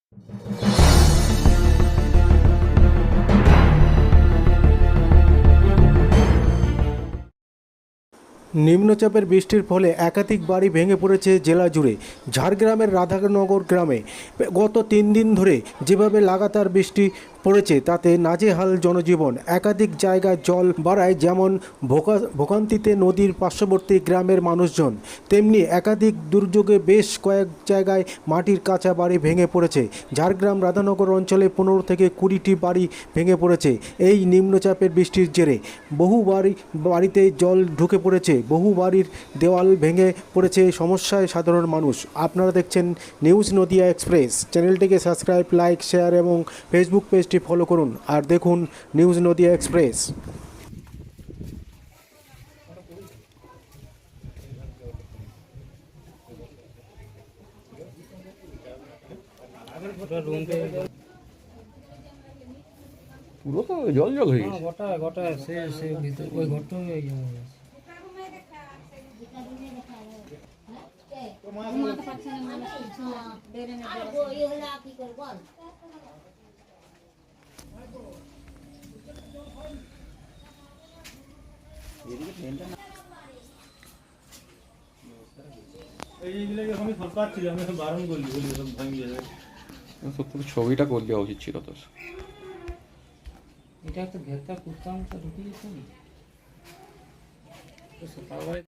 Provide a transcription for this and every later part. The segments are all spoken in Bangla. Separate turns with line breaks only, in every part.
নিম্নচাপের বৃষ্টির ফলে একাধিক বাড়ি ভেঙে পড়েছে জেলা জুড়ে। ঝাড়গ্রামের রাধানগর গ্রামে গত 3 দিন ধরে যেভাবে লাগাতার বৃষ্টি পড়েছে তাতে নাজেহাল জনজীবন। একাধিক জায়গায় জল বাড়ায় যেমন ভোগান্তিতে নদীর পার্শ্ববর্তী গ্রামের মানুষজন, তেমনি একাধিক দুর্যোগে বেশ কয়েক জায়গায় মাটির কাঁচা বাড়ি ভেঙে পড়েছে। ঝাড়গ্রাম রাধানগর অঞ্চলে 15 থেকে 20টি বাড়ি ভেঙে পড়েছে এই নিম্নচাপের বৃষ্টির জেরে। বহু বাড়িতে জল ঢুকে পড়েছে, বহু বাড়ির দেওয়াল ভেঙে পড়েছে, সমস্যায় সাধারণ মানুষ। আপনারা দেখছেন নিউজ নদিয়া এক্সপ্রেস। চ্যানেলটিকে সাবস্ক্রাইব, লাইক, শেয়ার এবং ফেসবুক পেজটি ফলো করুন আর দেখুন নিউজ নদিয়া এক্সপ্রেস।
পুরো তো জল জল হয়ে গেছে।
গোটা গোটা সে ভিতর ওই ঘরটা হয়ে গেছে।
ছবিটা করে দেওয়া উচিত ছিল তো।
এটা একটা ভেতর কুত্তা মুখটা ঢুকে গেছে না তো সকালবেলা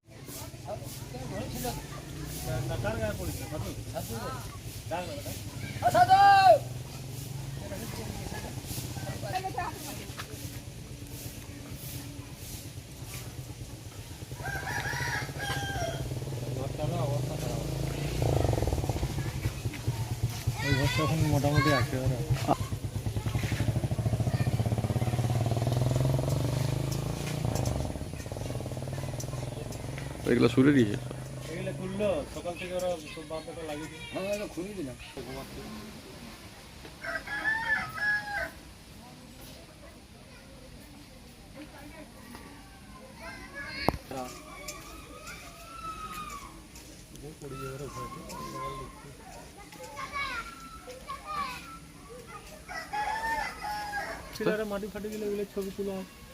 এই ঘরটা এখন মোটামুটি আছে ওরা।
এগুলো সুরে দিয়েছে।
এগুলো খুললো সকাল থেকে ওরা সব বাঁধাটা লাগিয়ে দিল।
হ্যাঁ খুলে দিলাম।
মাটি ফাটি দিলে এগুলো ছবি তুলো।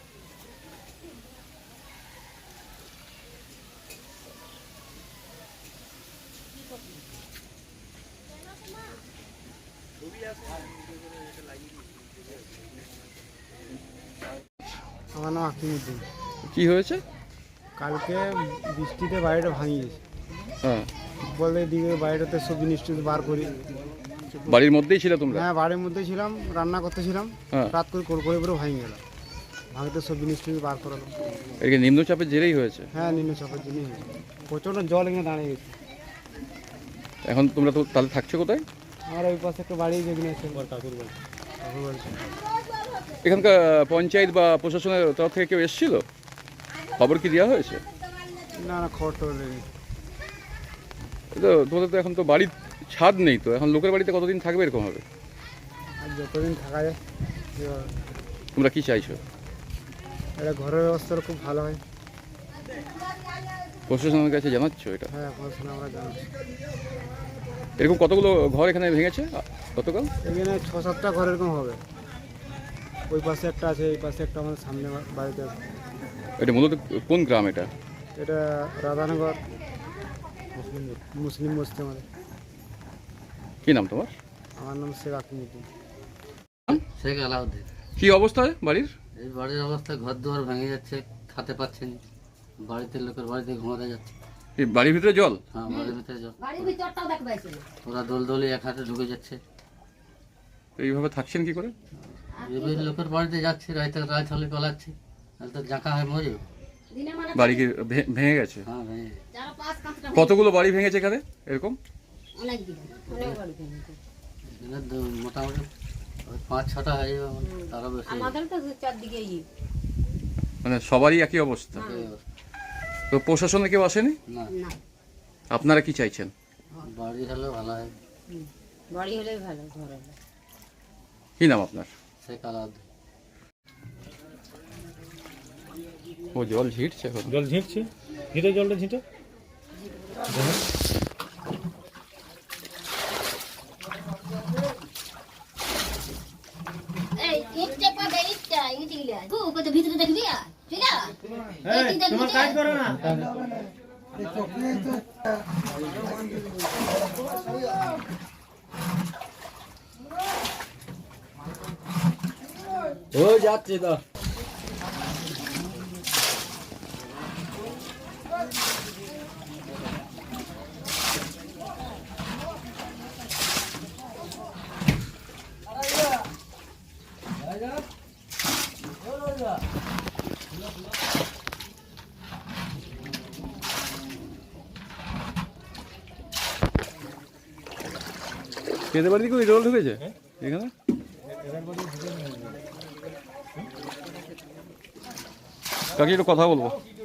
আমার নাম আকিমুদ্দিন।
কি হয়েছে?
কালকে বৃষ্টিতে বাড়িটা ভাঙিয়ে গেছে।
হ্যাঁ,
বলে দিকে বাড়িটাতে সব জিনিস বার করি।
বাড়ির মধ্যেই ছিল তোমরা?
হ্যাঁ, বাড়ির মধ্যে ছিলাম, রান্না করতেছিলাম।
হ্যাঁ।
রাত করে করে ভাঙে গেল। ভাঙতে সব জিনিস বার করালো।
এদিকে নিম্নচাপের জেরেই হয়েছে?
হ্যাঁ, নিম্নচাপের জন্যই হয়েছে। প্রচণ্ড জল এখানে দাঁড়িয়ে গেছে।
এখন তোমরা তো তাহলে থাকছো কোথায়?
আমার ওই পাশে একটা বাড়ি যেখানে আছে কাকুর বাড়ি।
এখানকার পঞ্চায়েত বা প্রশাসনের তরফ থেকে কেউ এসেছিল? খবর কি দেওয়া হয়েছে?
না না, খবর টবর নেই।
তো তোমাদের তো এখন তো বাড়ির ছাদ নেই, তো এখন লোকের বাড়িতে কতদিন থাকবে এরকম হবে?
আর যতদিন থাকা যায়।
তোমরা কি চাইছো?
এটা ঘরের ব্যবস্থাটা খুব ভালো হয়।
প্রশাসনের কাছে জানাচ্ছ এটা?
হ্যাঁ, পড়াশোনা আমরা জানাচ্ছি।
এরকম কতগুলো ঘর এখানে ভেঙেছে গতকাল?
এখানে 6-7টা ঘর এরকম হবে। ওই পাশে একটা আছে, এই পাশে একটা, আমাদের সামনে বাড়িতে আছে।
এটা মূলত কোন গ্রাম এটা?
এটা রাধানগর মুসলিম বস্তি আমাদের।
কি নাম তোমার?
আমার নাম শেখ আকিমুদ্দিন।
শেখ আলাউদ্দিন।
কি অবস্থা বাড়ির?
এই বাড়ির অবস্থা, ঘর দুয়ার ভেঙে যাচ্ছে, খেতে পাচ্ছেন, বাড়িতে লোকের বাড়িতে ঘুমাতে যাচ্ছে।
এই বাড়ির ভিতরে জল?
হ্যাঁ, বাড়ির ভিতরে জল। ওরা দোলদলি এক হাতে ঢুকে যাচ্ছে।
এইভাবে থাকছেন কি করে?
এবার লোকের বাড়িতে যাচ্ছে, রাত হলে পালাচ্ছে, তাহলে তো জাঁকা হয় মরে।
বাড়ি কি ভেঙে গেছে?
হ্যাঁ, ভেঙে।
কতগুলো বাড়ি ভেঙেছে এখানে এরকম?
এখানে মোটামুটি 5-6টা হয়ে যাবে, তারও বেশি।
মানে সবারই একই অবস্থা? তো প্রশাসনে কেউ আসেনি?
না,
আপনারা কি চাইছেন?
বাড়ি হলে ভালো হয়।
বাড়ি হলে ভালো, ঘর হলে।
কি নাম আপনার?
শেখ আলাউদ্দিন।
ও জল ঝিঁটছে এখন?
জল ঝিঁটছে, জলটা ঝিঁটে।
ইটটা পাবে ইটটা ইটি গিলা গো কত ভিতরে দেখবি আর চলে
তোমার কাজ করো না ও যাচ্ছে তো
এদের বাড়িতে কি জল ঢুকেছে এখানে? কাকি একটু কথা বলবো।